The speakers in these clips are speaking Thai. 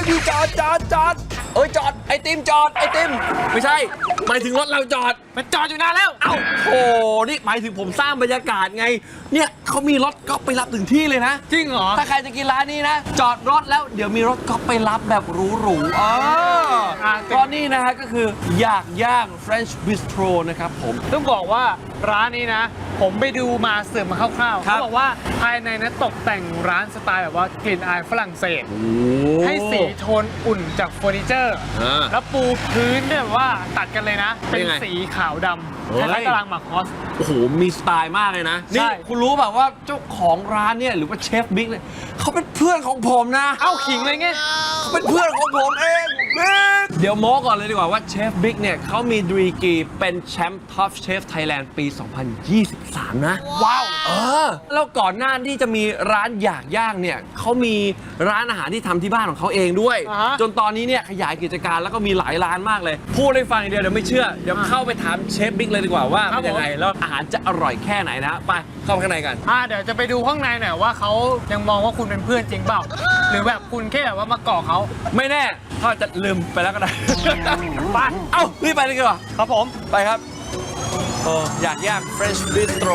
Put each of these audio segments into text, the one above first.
พี่จอดจอดไอติมจอดไอติมไม่ใช่หมายถึงรถเราจอดมันจอดอยู่นานแล้วเอ้าโอ้นี่หมายถึงผมสร้างบรรยากาศไงเนี่ยเขามีรถก๊อฟไปรับถึงที่เลยนะจริงเหรอถ้าใครจะกินร้านนี้นะ จอดรถแล้วเดี๋ยวมีรถก๊อฟไปรับแบบหรูๆก็นี่นะฮะก็คืออยากย่าง French Bistro นะครับผมต้องบอกว่าร้านนี้นะ ผมไปดูมาเสิร์ฟมาคร่าวๆครับเขาบอกว่าภายในนั้นตกแต่งร้านสไตล์แบบว่ากลิ่นอายฝรั่งเศส ให้สีโทนอุ่นจากเฟอร์นิเจอร์ แล้วปูพื้นเนี่ยแบบว่าตัดกันเลยนะ เป็นสีขาวดำคล้ายๆตารางหมากฮอสโอ้โหมีสไตล์มากเลยนะใช่นี่คุณรู้แบบว่าเจ้าของร้านเนี่ยหรือว่าเชฟบิ๊กเนี่ยเขาเป็นเพื่อนของผมนะเอ้าขิงเลยไงเขาเป็นเพื่อนของผมเองบิ๊กเดี๋ยวโม้ก่อนเลยดีกว่าว่าเชฟบิ๊กเนี่ยเขามีดีกรีเป็นแชมป์ท็อปเชฟไทยแลนด์ปี 2023 นะว้าวแล้วก่อนหน้าที่จะมีร้านอยากย่างเนี่ยเขามีร้านอาหารที่ทำที่บ้านของเขาเองด้วย จนตอนนี้เนี่ยขยายกิจการแล้วก็มีหลายร้านมากเลย พูดให้ฟังอย่างเดียวเดี๋ยวไม่เชื่อ เดี๋ยวเข้าไปถามเชฟบิ๊กเลยดีกว่าว่าเป็นยังไงแล้วอาหารจะอร่อยแค่ไหนนะไปเข้าไปข้างในกันเดี๋ยวจะไปดูข้างในหน่อยว่าเขายังมองว่าคุณเป็นเพื่อนจริงเปล่า หรือแบบคุณแค่แบบว่ามาเกาะเขาไม่แน่เขาอาจจะลืมไปแล้วก็ได้ไปเอ้ารีบไปเลยดีกว่าครับผมไปครับอยากย่าง French Bistro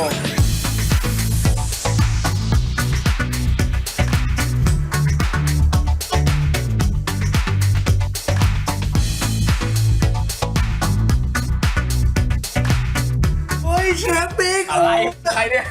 เฮ้ยเชฟบิ๊กอะไรใครเนี่ย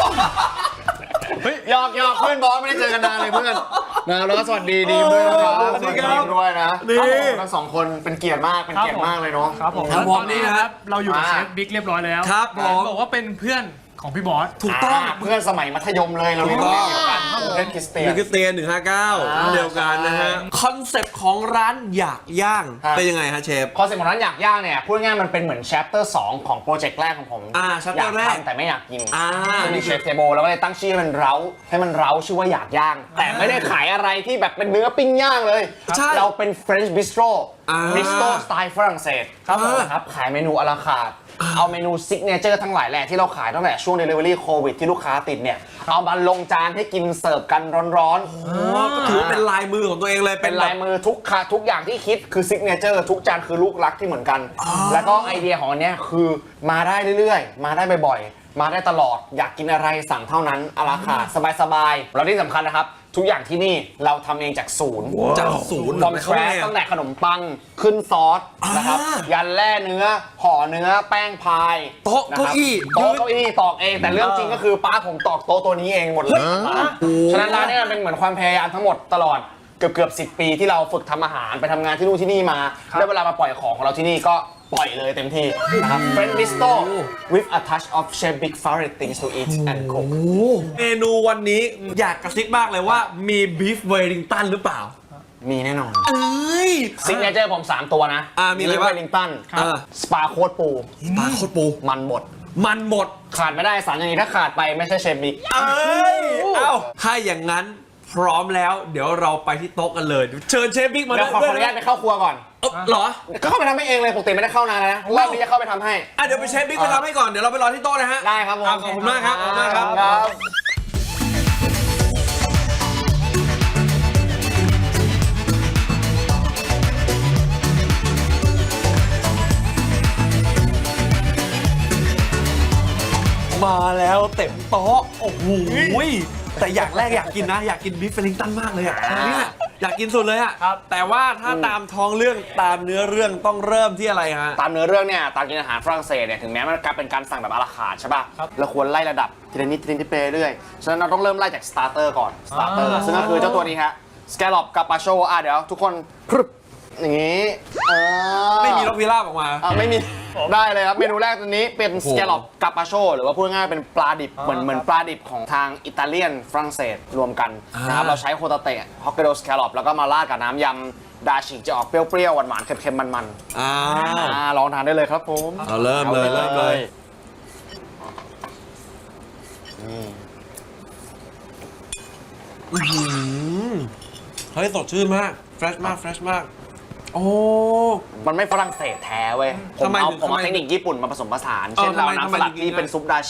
หยอกเพื่อนบอสไม่ได้เจอกันนานเลยเพื่อนนะแล้วก็สวัสดีดีด้วยนะครับสวัสดีครับด้วยนะนี่ทั้งสองคนเป็นเกียรติมากเลยเนาะครับผมครับตอนนี้นะครับเราอยู่กับอ่าเชฟบิ๊กเรียบร้อยแล้วครับผมบอกว่าเป็นเพื่อนของพี่บอสถูกต้องเพื่อนสมัยมัธยมเลยเราเรียนโรงเรียนเดียวกันเล่นคริสเตียนมิกเตียน159เดียวกันนะฮะคอนเซ็ปต์ของร้านอยากย่างครับเป็นยังไงฮะเชฟคอนเซ็ปต์ของร้านอยากย่างเนี่ยพูดง่ายๆมันเป็นเหมือน chapter 2 ของโปรเจกต์แรกของผม chapter อยากแรกทำแต่ไม่อยากกินนี่นี่เชฟเทเบิลแล้วก็เลยตั้งชื่อให้มันเร้าชื่อว่าอยากย่าง แต่ไม่ได้ขายอะไรที่แบบเป็นเนื้อปิ้งย่างเลยใช่เราเป็น French Bistro อ่า Bistro สไตล์ฝรั่งเศสครับผมครับขายเมนูอะลาคาร์ทเอาเมนูซิกเนเจอร์ทั้งหลายแหละที่เราขายตั้งแต่ช่วง Delivery โควิดที่ลูกค้าติดเนี่ยเอามาลงจานให้กินเสิร์ฟกันร้อนๆก็ถือว่าเป็นลายมือของตัวเองเลยเป็นลายมือทุกอย่างที่คิดคือซิกเนเจอร์ทุกจานคือลูกรักที่เหมือนกัน แล้วก็ไอเดียของอันเนี้ยคือมาได้เรื่อยๆ มาได้บ่อยๆ มาได้ตลอดอยากกินอะไรสั่งเท่านั้นอาราคาสบายๆแล้วที่สำคัญนะครับ ทุกอย่างที่นี่เราทำเองจากศูนย์จากศูนย์ฟอมแครสตั้งแต่ขนมปังขึ้นซอสนะครับยันแร่เนื้อห่อเนื้อแป้งพายโต๊ะนะคเก้ารับอี้โต๊ะเก้าอี้ตอกเองแต่เรื่องจริงก็คือป้าผมตอกโต๊ะตัวนี้เองหมดเลยฉะนั้นร้านนี้มันเป็นเหมือนความพยายามทั้งหมดตลอดเกือบ10 ปีที่เราฝึกทำอาหารไปทำงานที่นู่นที่นี่มาแล้วเวลามาปล่อยของเราที่นี่ก็ปล่อยเลยเต็มที่นะครับ French Bistro with a touch of Chef Big favorite things to eat and cook เมนูวันนี้อยากกระซิบมากเลยว่ามีบีฟเวลิงตันหรือเปล่ามีแน่นอนเอ้ยซิกเนเจอร์ผม 3 ตัวนะมีอะไรบ้างเวลลิงตันสปาโคตรปูปลาโคตรปูมันหมดมันหมดขาดไม่ได้สารอย่างนี้ถ้าขาดไปไม่ใช่เชฟบิ๊กเอ้ยเอ้าถ้าอย่างนั้นพร้อมแล้วเดี๋ยวเราไปที่โต๊ะกันเลยเชิญเชฟบิ๊กมาเดี๋ยวขออนุญาตไปเข้าครัวก่อนเหรอก็เข้าไปทำให้เองเลยปกติไม่ได้เข้านานแล้วนะรอบนี้จะเข้าไปทำให้เดี๋ยวไปเชฟบิ๊กไปทำให้ก่อนเดี๋ยวเราไปรอที่โต๊ะนะฮะได้ครับผมขอบคุณมากครับขอบคุณมากครับ มาแล้วเต็มโต๊ะโอ้โหแต่อย่างแรกอยากกินนะอยากกินบีฟเฟลิงตันมากเลยอ่ะเนี่ยอยากกินสุดเลยอ่ะแต่ว่าถ้าตามท้องเรื่องตามเนื้อเรื่องต้องเริ่มที่อะไรฮะตามเนื้อเรื่องเนี่ยตามกินอาหารฝรั่งเศสเนี่ยถึงแม้มันเป็นการสั่งแบบอาราคาร์ทใช่ป่ะเราควรไล่ระดับทีละนิดไปเรื่อยฉะนั้นเราต้องเริ่มไล่จากสตาร์เตอร์ก่อนสตาร์เตอร์ซึ่งก็คือเจ้าตัวนี้ฮะสแกลลอปกับปาโชเดี๋ยวทุกคนพรึบอย่างนี้ไม่มีนกพิราบออกมาไม่มีได้เลยครับเมนูแรกตัวนี้เป็นสแกลลอปกับปาโชหรือว่าพูดง่ายๆเป็นปลาดิบเหมือนปลาดิบของทางอิตาเลียนฝรั่งเศสรวมกันนะครับเราใช้โคตาเตะฮอกไกโดสแกลลอปแล้วก็มาราดกับน้ำยำดาชิจะออกเปรี้ยวๆหวานๆเค็มๆมันๆลองทานได้เลยครับผมเอาเริ่มเลยเฮ้ยสดชื่นมากเฟรชมากโอ้มันไม่ฝรั่งเศสแท้เว้ยผมทำไมเอาถึงผมเอาทำไมเทคนิคญี่ปุ่นมาผสมผสานเช่นเราทำไมน้ำสลัดถึงที่เป็นซุปดาชิ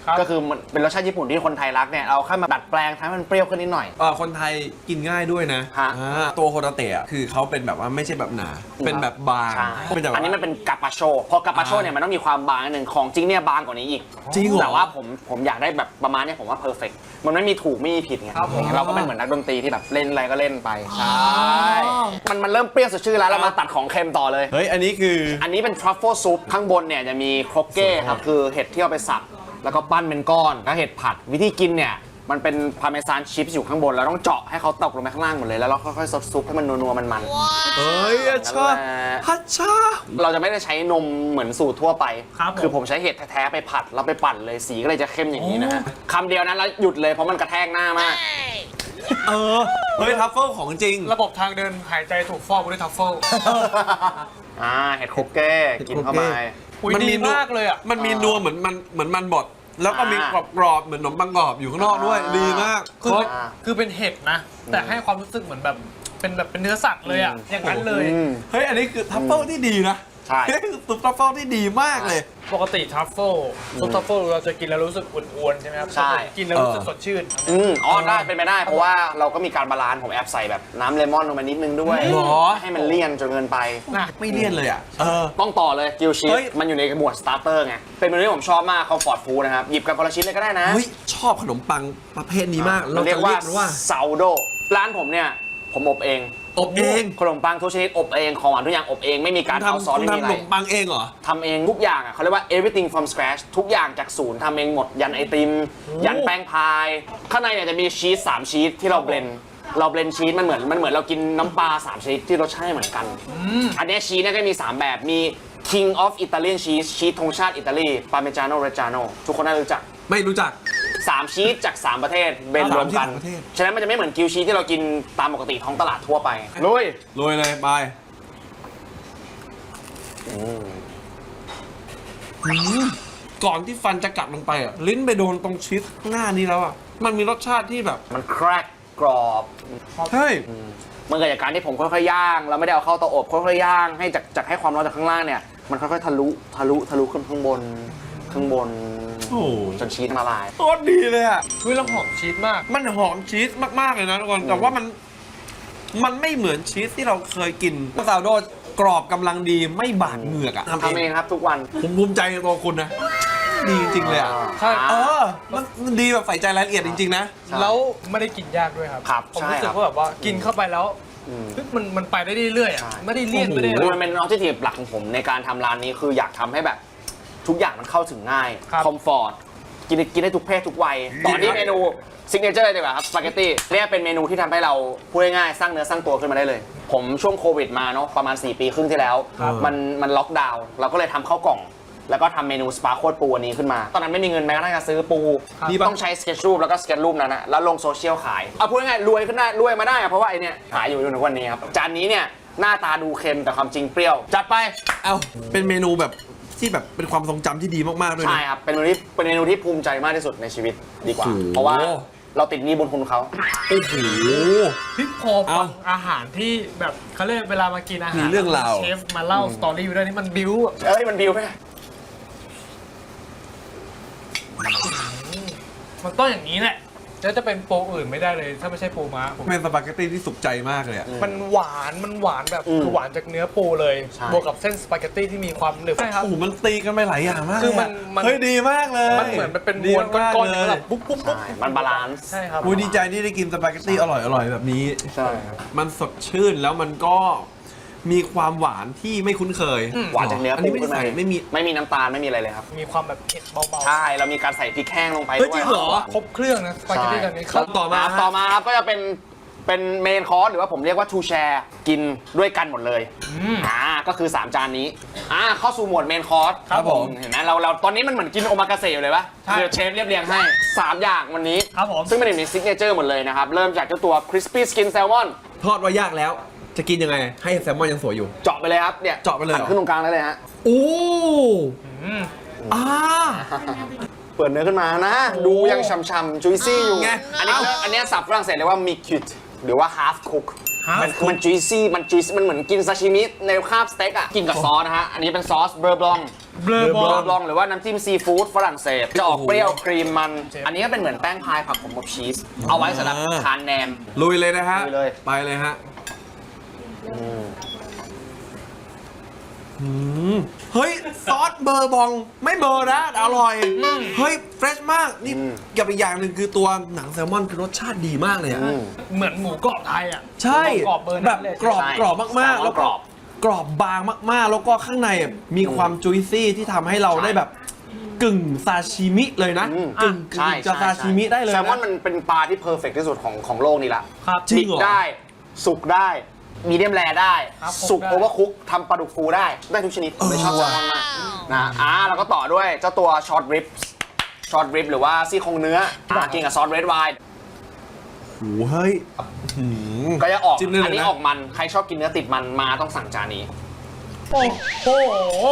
ก็คือมันเป็นรสชาติญี่ปุ่นที่คนไทยรักเนี่ยเราแค่มาดัดแปลงทำให้มันเปรี้ยวขึ้นนิดหน่อยคนไทยกินง่ายด้วยนะฮะตัวโฮตาเตะคือเขาเป็นแบบว่าไม่ใช่แบบหนา เป็นแบบบางใช่เป็นแบบอันนี้มันเป็นกาปาโชพอกาปาโชเนี่ยมันต้องมีความบางนิดนึงของจริงเนี่ยบางกว่านี้อีกจริงเหรอแต่ว่าผมอยากได้แบบประมาณเนี้ยผมว่าเพอร์เฟกต์มันไม่มีถูกไม่มีผิดไงครับผมเราก็เป็นเหมือนนักดนตรีที่แบบเล่นอะไรก็เล่นไปใช่มันเริ่มเปรี้ยวสดชื่นแล้วเรามาตัดของเค็มต่อเลยเฮ้ยอันนี้คืออันนี้เป็นทรัฟเฟิลซุปข้างบนเนี่ยจะมีโครกเก้ครับคือเห็ดที่เอาไปสับแล้วก็ปั้นเป็นก้อนแล้วเห็ดผัดวิธีกินเนี่ยมันเป็นพาร์เมซานชีสอยู่ข้างบนเราต้องเจาะให้เขาตกลงไปข้างล่างหมดเลยแล้วเราค่อยๆซดซุปให้มันนัวๆมันๆเฮ้ยอาชาฮัชชาเราจะไม่ได้ใช้นมเหมือนสูตรทั่วไปครับผมคือผมใช้เห็ดแท้ๆไปผัดแล้วไปปั่นเลยสีก็เลยจะเข้มอย่างนี้นะฮะคำเดียวนั้นแล้วหยุดเลยเพราะมันกระแทกหน้ามากเฮ้ยทัฟเฟิลของจริงระบบทางเดินหายใจถูกฟอกด้วยทัฟเฟิลเห็ดโคเก้กินเข้าไปอุ๊ยดีมากเลยอ่ะมันมีนัวเหมือนมันบดแล้วก็มีกรอบๆเหมือนขนมปังกรอบอยู่ข้างนอกด้วยดีมากคือเป็นเห็ดนะ แต่ให้ความรู้สึกเหมือนแบบเป็นเนื้อสัตว์เลยอ่ะ อย่างนั้นเลยเฮ้ยอันนี้คือทัฟเฟิลที่ดีนะใช่คือซุปทัฟเฟิลที่ดีมากเลยปกติทัฟเฟิลซุปทัฟเฟิลเราจะกินแล้วรู้สึกอ้วนๆใช่ไหมครับใช่กินแล้วรู้สึกสดชื่นได้เป็นไปได้เพราะว่าเราก็มีการบาลานซ์ผมแอบใส่แบบน้ำเลมอนลงมานิดนึงด้วยหรอให้มันเลี่ยนจนเกินไปไม่เลี่ยนเลยอ่ะต้องต่อเลยกิวชีเฮ้สยมันอยู่ในหมวดสตาร์เตอร์ไงเป็นเมนูที่ผมชอบมากคอมฟอร์ตฟู้ดนะครับหยิบกันคนละชิ้นเลยก็ได้นะเฮ้ยชอบขนมปังประเภทนี้มากมันเรียกว่ามันว่าซาวโดร้านผมเนี่ยผมอบเองอบเองขนมปังทุกชนิดอบเองของหวานทุกอย่างอบเองไม่มีการเอาซอสคุณไม่มีทำอะขไรนมปังเองเหรอทำเองทุกอย่างอ่ะเขาเรียกว่า everything from scratch ทุกอย่างจากศูนย์ทำเองหมดยันไอติม ยันแป้งพาย ข้างในเนี่ยจะมีชีส3ชีสที่เราเบลนชีสมันเหมือนเรากินน้ำปลา3ชนิดที่รสชาติเหมือนกันอันเนี้ยชีสเนี่ยก็มี3แบบมี King of Italian cheese ชีสธงชาติอิตาลี Parmigiano Reggiano ทุกคนน่ารู้จักไม่รู้จัก 3 ชีสจาก 3 ประเทศเบนรวมกัน 3 ประเทศฉะนั้นมันจะไม่เหมือนกิวชีสที่เรากินตามปกติท้องตลาดทั่วไปลุยโรยเลยไปก่อนที่ฟันจะกัดลงไปอ่ะลิ้นไปโดนตรงชีสข้างหน้านี้แล้วอ่ะมันมีรสชาติที่แบบมันแครกกรอบเฮ้ยมันเกิดจากการที่ผมค่อยๆย่างแล้วไม่ได้เอาเข้าเตาอบค่อยๆย่างให้จากให้ความร้อนจากข้างล่างเนี่ยมันค่อยๆทะลุขึ้นข้างบนโอ้โหจนชีสละลายโคตรดีเลยอ่ะคือเราหอมชีสมากมันหอมชีสมากๆเลยนะทุกคนแต่ว่ามันไม่เหมือนชีสที่เราเคยกินซาวโดกรอบกำลังดีไม่บาดเหงือกอ่ะทำเองครับทุกวันผมภูมิใจในตัวคุณนะดีจริงๆเลยอ่ะใช่มันดีแบบใส่ใจรายละเอียดจริงๆนะแล้วไม่ได้กินยากด้วยครับครับผมใช่รู้สึคกรับว่าแบบว่ากินเข้าไปแล้วเฮ้ยมันไปได้เรื่อยๆอ่ะ ไม่ได้เลี่ยนไม่ได้อะไรมันเป็นออบเจกตีฟหลักของผมในการทำร้านนี้คืออยากทำให้แบบทุกอย่างมันเข้าถึงง่ายครับคอมฟอร์ตกินได้ทุกเพศทุกวัยต่อที่เมนูซิกเนเจอร์เลยดีกว่าครับสปาเกตตี้เนี่ยเป็นเมนูที่ทำให้เราพูดง่ายๆสร้างเนื้อสร้างตัวขึ้นมาได้เลย ผมช่วงโควิดมาเนาะประมาณ4 ปีครึ่งที่แล้ว มันล็อกดาวน์เราก็เลยทำข้าวกล่อง แล้วก็ทำเมนูสปาโคตรปูอันนี้ขึ้นมา ตอนนั้นไม่มีเงินแม้กระทั่งจะซื้อปูต้องใช้สเก็ตรูปแล้วก็สเก็ตรูปนั้นนะแล้วลงโซเชียลขายเอาพูดง่ายๆรวยขึ้นได้รวยมาได้อะเพราะว่าไอเนี่ยขายอยู่จนถึงวันนี้ครับจานนี้เนี่ยหน้าตาดูเค็มแต่ความจริงเปรี้ยวจัดไปเอ้าเป็นเมนูแบบที่แบบเป็นความทรงจำที่ดีมากๆด้วยนะใช่ครับเป็นเมนูที่ภูมิใจมากที่สุดในชีวิตดีกว่าโอ้โหเพราะว่าเราติดหนี้บุญคุณเขาโอ้โหพี่พอฟังอาหารที่แบบเขาเรียกเวลามากินอาหารมีเรื่องราวเชฟมาเล่าสตอรี่อยู่ด้วยนี่มันบิ้วอะเอ้ยมันบิวไหมมันต้องอย่างนี้แหละแล้วจะเป็นปูอื่นไม่ได้เลยถ้าไม่ใช่ปูม้าผมเป็นสปาเกตตี้ที่สุขใจมากเลยอ่ะมันหวานแบบคือหวานจากเนื้อปูเลยใช่บวกกับเส้นสปาเกตตี้ที่มีความหนึบใช่ครับโอ้โหมันตีกันไปหลายอย่างมากคือเลยมันเฮ้ยดีมากเลยมันเหมือนมันเป็นดีม้วนก้อนๆเลอย่างยแบบปุ๊บปุ๊บปุ๊บใช่มันบาลานซ์ใช่ครับอุ้ยดีใจที่ได้กินสปาเกตตี้อร่อยแบบนี้ใช่ครับมันสดชื่นแล้วมันก็มีความหวานที่ไม่คุ้นเคยหวานจากเนื้ออันปูนี้ไม่ได้ขึ้นมาใส่ไม่มีไม่มีน้ำตาลไม่มีอะไรเลยครับมีความแบบเผ็ดเบาใช่เรามีการใส่พริกแห้งลงไปเฮ้ด้ยวยจริงเหรอๆครบเครื่องนะสปาเกตตี้แบบนี้ครับต่อมาต่อมาครับก็จะเป็นเมนคอร์สหรือว่าผมเรียกว่าทูแชร์กินด้วยกันหมดเลยก็คือ 3 จานนี้เข้าสู่หมวดเมนคอร์สครับผมเห็นไหมเราตอนนี้มันเหมือนกินโอมากาเสะอยู่เลยปะคือเชฟเรียบเรียงให้ 3 อย่างวันนี้ครับผมซึ่งเป็นหนึ่งในซิกเนเจอร์หมดเลยนะครับ เริ่มจากเจ้าตัว crispy skin salmon ทอดว่ายากแล้วจะกินยังไงให้แซลมอนยังสวยอยู่เจาะไปเลยครับเนี่ยเจาะไปเลยเหรอหั่นขึ้นตรงกลางได้เลยฮะโอ้อ่าเปิดเนื้อขึ้นมานะ ดูยังฉ่ำๆ juicy อยู่ไงอันนี้ศัพท์ฝรั่งเศสเรียกว่า mi-cuit หรือว่า half cook มัน juicy มันเหมือนกินซาชิมิในคาบสเต็กอ่ะกินกับซอสนะฮะอันนี้เป็นซอสเบอร์บลองเบลอบองลองหรือว่าน้ำจิ้มซีฟู้ดฝรั่งเศสจะออกเปรี้ยวครีมมัน อันนี้ก็เป็นเหมือนแป้งพายผักขมกับชีสเอาไว้สำหรับทานแหนมลุยเลยนะฮะลุยเลยไปเลยฮะเฮ้ย ซอสเบอร์บองไม่เบอร์นะอร่อย เฮ้ย เฟรชมาก นี่กับอีกอย่างหนึ่งคือตัวหนังแซลมอนคือรสชาติดีมากเลยอะเหมือนหมูกรอบไทยอ่ะใช่หมูกรอบเบอร์แบนั้บนเลยกรอบใช่กรอบมากๆแซลมอนแล้วก็กรอบกรอบบางมากๆ แล้วก็ข้างในอะมีความจุยซี่ที่ทำให้เราได้แบบกึ่งซาชิมิเลยนะ กึ่งใช่จะซาชิมิได้เลยแซลมอนนะมันเป็นปลาที่เพอร์เฟกต์ที่สุดของโลกนี้ละครับจริดิงบเหรอได้ สุกได้ มีเดียมแรได้ครับสุกได้โอเวอร์คุกทำปลาดุกฟูได้ทุกชนิดผมไม่ชอบแซลมอนมากนะแล้วก็ต่อด้วยเจ้าตัวช็อตริปหรือว่าซี่โครงเนื้อกินกับซอสเรดไวน์โอ้เฮ้ยก็จะออกจิ้มได้เลยนะอันนี้ออกมัน ใครชอบกินเนื้อติดมันมาต้องสั่งจานนี้โอ้โห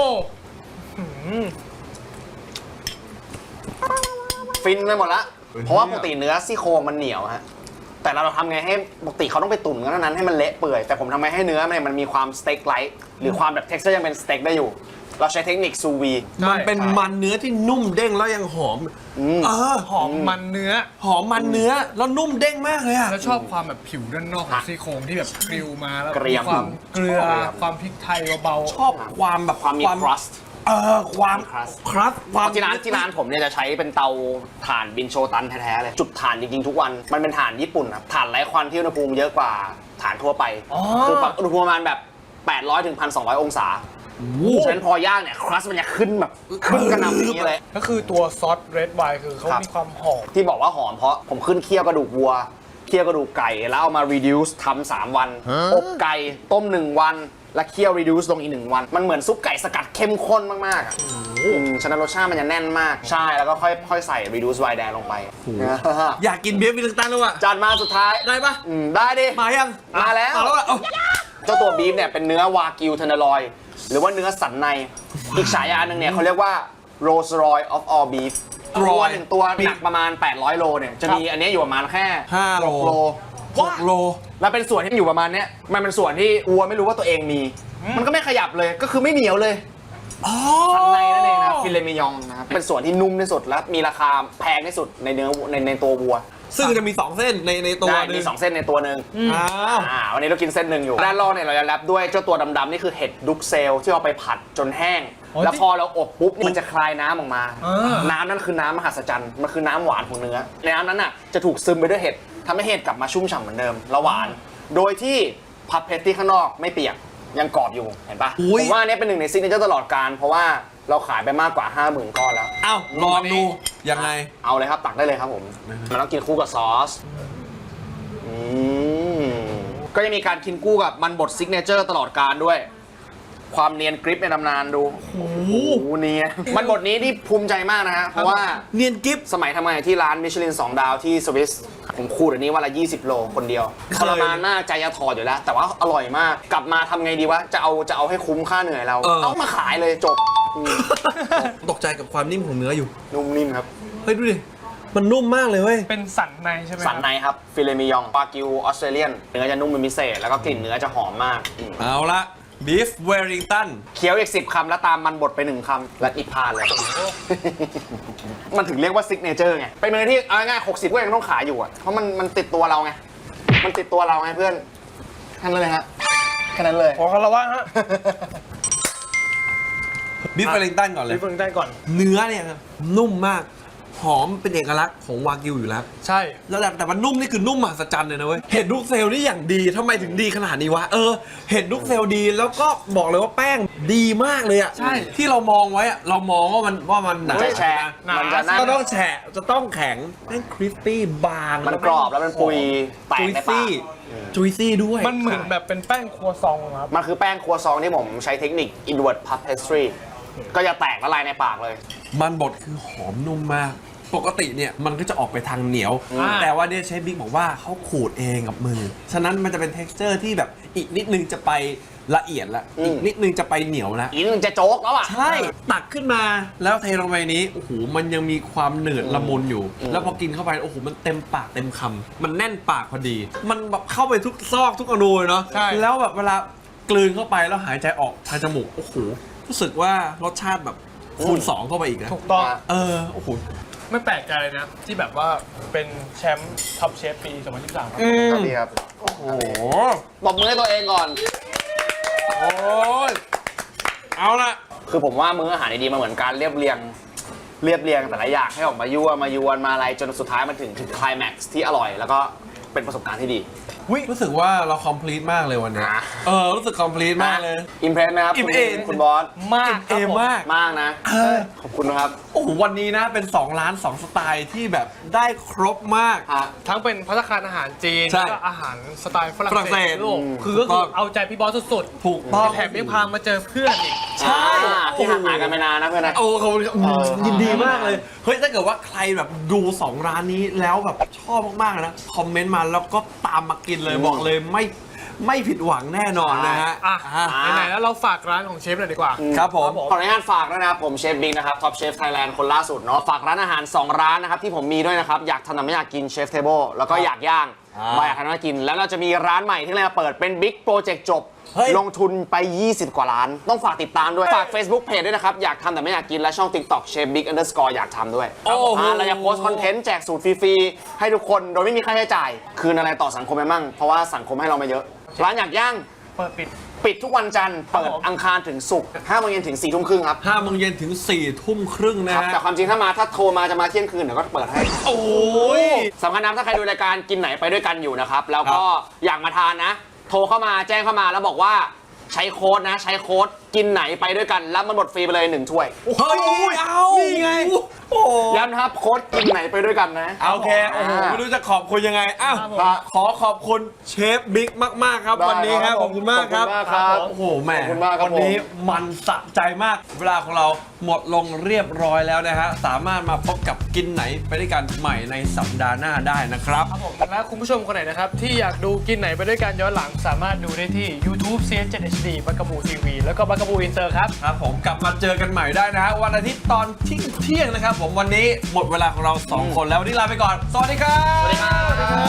ฟินไปหมดละเพราะว่าปกติเนื้อซี่โครงมันเหนียวฮะแต่เราทำไงให้ปกติเขาต้องไปตุ๋นกันนั้นให้มันเละเปื่อยแต่ผมทำไงให้เนื้อมันมีความสเต็กไลท์หรือความแบบเท็กซ์เจอร์ยังเป็นสเต็กได้อยู่ เราใช้เทคนิคซูวีมันเป็นมันเนื้อที่นุ่มเด้งแล้วยังหอมหอมมันเนื้อหอมมันเนื้อแล้วนุ่มเด้งมากเลยอะแล้วชอบความแบบผิวด้านนอกของซี่โครงที่แบบกริลมาแล้วเกรียมความเกลือความพริกไทยเบาๆชอบความแบบความมีครัสต์ความ crust ครับความที่ร้านผมเนี่ยจะใช้เป็นเตาถ่านบินโชตันแท้ๆเลยจุดถ่านจริงๆทุกวันมันเป็นถ่านญี่ปุ่นครับถ่านไร้ควันที่อุณหภูมิเยอะกว่าถ่านทั่วไปคืออุณหภูมิประมาณแบบ800ถึง 1,200 องศาฉะนั้นพอย่างเนี่ยครัสมันจะขึ้นแบบขึ้นกระหน่ำอย่างนี้เลยก็คือตัวซอสเรดไวน์คือเขาครับมีความหอมที่บอกว่าหอมเพราะผมขึ้นเคี่ยวกระดูกวัวเคี่ยวกระดูกไก่แล้วเอามา reduce ทำ3 วันอบไก่ต้ม1 วันแล้วเคี่ยว reduce ลงอีก1 วันมันเหมือนซุปไก่สกัดเข้มข้นมากๆอ่ะฉะนั้นรสชาติมันจะแน่นมากใช่แล้วก็ค่อยใส่ reduce ไวน์แดงลงไปอยากกินเบียร์วิลลิงตันแล้วอะจานมาสุดท้ายได้ปะได้ดิมายังมาแล้วมาแล้วอะเอ้าเจ้าตัวบีฟเนี่ยเป็นเนื้อวากิวเทนเนอรอยหรือว่าเนื้อสันใน อีกฉายาหนึ่งเนี่ยเขาเรียกว่า Rolls Royce of all beef ตัวหนึ่งตัวหนักประมาณ 800 โลเนี่ยจะมีอันเนี้ยอยู่ประมาณแค่ 5 โล 6 โล 6 โลแล้วเป็นส่วนที่อยู่ประมาณเนี้ยมันเป็นส่วนที่วัวไม่รู้ว่าตัวเองมี มันก็ไม่ขยับเลยก็คือไม่เหนียวเลยสันในนั่นเองนะฟิเลมิยองนะครับเป็นส่วนที่นุ่มที่สุดและมีราคาแพงที่สุดในเนื้อในตัววัวซึ่งจะมี 2 เส้นในตัวได้หนึมีง 2 เส้นในตัวหนึ่งอ้าววันนี้เรากินเส้นหนึ่งอยู่ ด้านล่างเนี่ยเราจะแรปด้วยเจ้าตัวดำๆนี่คือเห็ดดุกเซลที่เอาไปผัดจนแห้งอ๋อแล้วพอเราอบปุ๊บมันจะคลายน้ำออกมาอ่าน้ำนั่นคือน้ำมหัศจรรย์มันคือน้ำหวานของเนื้อในน้ำนั้นน่ะจะถูกซึมไปด้วยเห็ดทำให้เห็ดกลับมาชุ่มฉ่ำเหมือนเดิมแล้วหวาน โดยที่พับเพสตี้ข้างนอกไม่เปียกยังกรอบอยู่เห็นปะอุ๊ยผมว่าอันนี้เป็นหนึ่งในซิกเนเจอร์ตลอดการเพราะว่าเราขายไปมากกว่า 50,000 ก้อนแล้วเอ้าลองดูยังไงเอาเลยครับตักได้เลยครับผมมันต้องกินคู่กับซอสก็จะมีการกินคู่กับมันบดซิกเนเจอร์ตลอดการด้วย ความเนียนกริปในตำนานดูโอ้โหเนียนมันบดนี้ที่ภูมิใจมากนะฮะเพราะว่าเนียนกิฟสมัยทำงานที่ร้านมิชลิน2 ดาวที่สวิสผมคูดอันนี้วันละ20 โลคนเดียวทรมานมากใจจะถอดอยู่แล้ว แต่ว่าอร่อยมากกลับมาทำไงดีวะจะเอาให้คุ้มค่าเหนื่อยเราเอามาขายเลยจบตกใจกับความนิ่มของเนื้ออยู่นุ่มนิ่มครับเฮ้ยดูดิ มันนุ่มมากเลยเว้ยเป็นสันในใช่ไหมสันในครับฟิเลมิยองปากิวออสเตรเลียนเนื้อจะนุ่มเป็นพิเศษแล้วก็กลิ่นเนื้อจะหอมมากเอาละบีฟเวลิงตันเคี้ยวอีก10 คำแล้วตามมันบดไป1 คำและอีกพานเลย มันถึงเรียกว่าซิกเนเจอร์ไงเป็นเมนูที่เอาง่ายๆ60ก็ยังต้องขายอยู่อ่ะเพราะมันติดตัวเราไงมันติดตัวเราไงเพื่อนแค่นั้นเลยฮะแค่นั้นเลยขอคารวะฮะบีฟเวลิงตันก่อนเลยรีบฟังได้ก่อนเนื้อเนี่ยครับนุ่มมาก หอมเป็นเอกลักษณ์ของวากิวอยู่แล้วใช่แล้วแต่มันนุ่มนี่คือนุ่มมหัศจรรย์เลยนะเว้ย เห็ดลูกเซลล์นี่อย่างดีทำไมถึงดีขนาดนี้วะ เห็ดลูกเซลล์ดีแล้วก็บอกเลยว่าแป้งดีมากเลยอะใช่ที่เรามองไว้อะเรามองว่ามันหนาไม่แฉะหนามันจะนั่นก็ต้องแฉะจะต้องแข็งแป้งคริสปี้บางมันกรอบแล้วมันปุยแตกจุยในปากซี่จุยซี่ด้วยมันเหมือนแบบเป็นแป้งครัวซองครับมันคือแป้งครัวซองที่ผมใช้เทคนิค inward puff pastry ก็จะแตกละลายในปากเลยมันบดคือหอมนุ่มมาก ปกติเนี่ยมันก็จะออกไปทางเหนียว แต่ว่าเนี่ยเชฟบิ๊กบอกว่าเขาขูดเองกับมือ ฉะนั้นมันจะเป็น texture ที่แบบอีกนิดนึงจะไปละเอียดละอีกนิดนึงจะไปเหนียวละอีกนึงจะโจ๊กแล้วอ่ะใช่ ตักขึ้นมาแล้วเทลงไปนี้ โอ้โห มันยังมีความหนืดละมุนอยู่ แล้วพอกินเข้าไป โอ้โห มันเต็มปากเต็มคำ มันแน่นปากพอดี มันแบบเข้าไปทุกซอกทุกอนูเลยเนาะใช่แล้วแบบเวลากลืนเข้าไปแล้วหายใจออกทางจมูก โอ้โห รู้สึกว่ารสชาติแบบคูณ 2 เข้าไปอีกนะถูกต้องโอ้โหไม่แปลกใจเลยนะ ที่แบบว่าเป็นแชมป์ท็อปเชฟปี 2023 ครับดีครับโอ้โหตบมือให้ตัวเองก่อนโอ้ยเอาละคือผมว่ามื้ออาหารดีๆมันเหมือนการเรียบเรียงแต่ละอย่างให้ออกมายั่วมายวนมาอะไรจนสุดท้ายมันถึงไคลแม็กซ์ที่อร่อย แล้วก็เป็นประสบการณ์ที่ดีรู้สึกว่าเราคอมพลีทมากเลยวันนี้นะรู้สึกคอมพลีทมากเลยอิมเพรสไหมครับอิ่มเอมคุณบอสมากคเอรับผมมากมากนะ ขอบคุณนะครับโอ้โหวันนี้นะเป็น2 ร้าน 2 สไตล์ที่แบบได้ครบมากทั้งเป็นภัตตาคารอาหารจีนใช่แล้วก็อาหารสไตล์ฝรั่ฝรั่งงเศเศสสยุโรปถูคืกอก็ต้คือ อง เอาใจพี่บอสสุดถูกต้องๆแถมยังพามาเจอเพื่อนอีกใช่ที่ห่างหายกันไปนานนะเพื่อนนะโอ้เขายินดีมากเลย เฮ้ยถ้าเกิดว่าใครแบบดู 2 ร้านนี้แล้วแบบชอบมากๆนะ คอมเมนต์มาแล้วก็ตามมากินเลยบอกเลยไม่ผิดหวังแน่นอนนะฮะอ่ะไหนๆแล้วเราฝากร้านของเชฟหน่อยดีกว่าครับผมขออนุญาตฝากด้วยนะครับผมเชฟบิ๊กนะครับท็อปเชฟไทยแลนด์คนล่าสุดเนาะฝากร้านอาหาร 2 ร้านนะครับที่ผมมีด้วยนะครับ อยากทำแต่ไม่อยากกินเชฟเทเบิลแล้วก็อยากย่างมาอยากทำไม่อยากกิน แล้วเราจะมีร้านใหม่ที่เราจะเปิดเป็นบิ๊กโปรเจกต์จบเฮ้ยลงทุนไป 20 กว่าล้าน ต้องฝากติดตามด้วย ฝาก Facebook Page ด้วยนะครับ อยากทำแต่ไม่อยากกินและช่อง TikTok เชฟบิ๊ก_อยากทำด้วยโอ้โหเราจะโพสต์คอนเทนต์แจกสูตรฟรีๆให้ทุกคนโดยไม่มีค่าใช้จ่ายคืนอะไรต่อสังคมไปมั่งเพราะว่าสังคมให้เรามาเยอะร้านอยากย่างเปิดปิดปิดทุกวันจันทร์เปิดอังคารถึงศุกร์5 โมงเย็นถึง 4 ทุ่มครึ่งครับ 5 โมงเย็นถึง 4 ทุ่มครึ่งนะครับฮะแต่ความจริงถ้าโทรมาจะมาเที่ยงคืนเดี๋ยวก็เปิดให้โอ้ยสำคัญนะถ้าใครดูรายการกินไหนไปด้วยกันอยู่นะครับ แล้วก็อยากมาทานนะ โทรเข้ามาแจ้งเข้ามาแล้วบอกว่าใช้โค้ดนะ ใช้โค้ดกินไหนไปด้วยกันแล้วมันหมดฟรีไปเลย 1 ถ้วยเฮ้ยเอานี่ไงโอ้โหย้ำนะครับโค้ดกินไหนไปด้วยกันนะโอเคโอ้โหไม่รู้จะขอบคุณยังไงอ้าวครับผมขอขอบคุณเชฟบิ๊กมาก ๆ ครับได้วันนี้ครับครับขอบคุณมากครับขอบคุณมากครับโอ้โหแหมขอบคุณมากครับวันนี้มันสะใจมาก เวลาของเราหมดลงเรียบร้อยแล้วนะฮะสามารถมาพบกับกินไหนไปด้วยกันใหม่ในสัปดาห์หน้าได้นะครับครับผมและคุณผู้ชมคนไหนนะครับที่อยากดูกินไหนไปด้วยกันย้อนหลังสามารถดูได้ที่ YouTube CS7HD บักกะบูทีวีแล้วก็บักกะบูอินเตอร์ครับครับผมกลับมาเจอกันใหม่ได้นะฮะวันอาทิตย์ตอนเที่ยงนะครับผมวันนี้หมดเวลาของเรา 2 คนแล้ววันนี้ลาไปก่อน สวัสดีครับสวัสดีครับ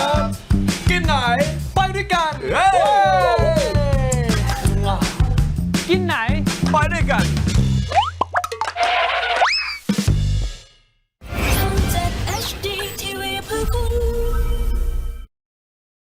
กินไหนไปด้วยกันเฮ้ยกินไหนไปด้วยกัน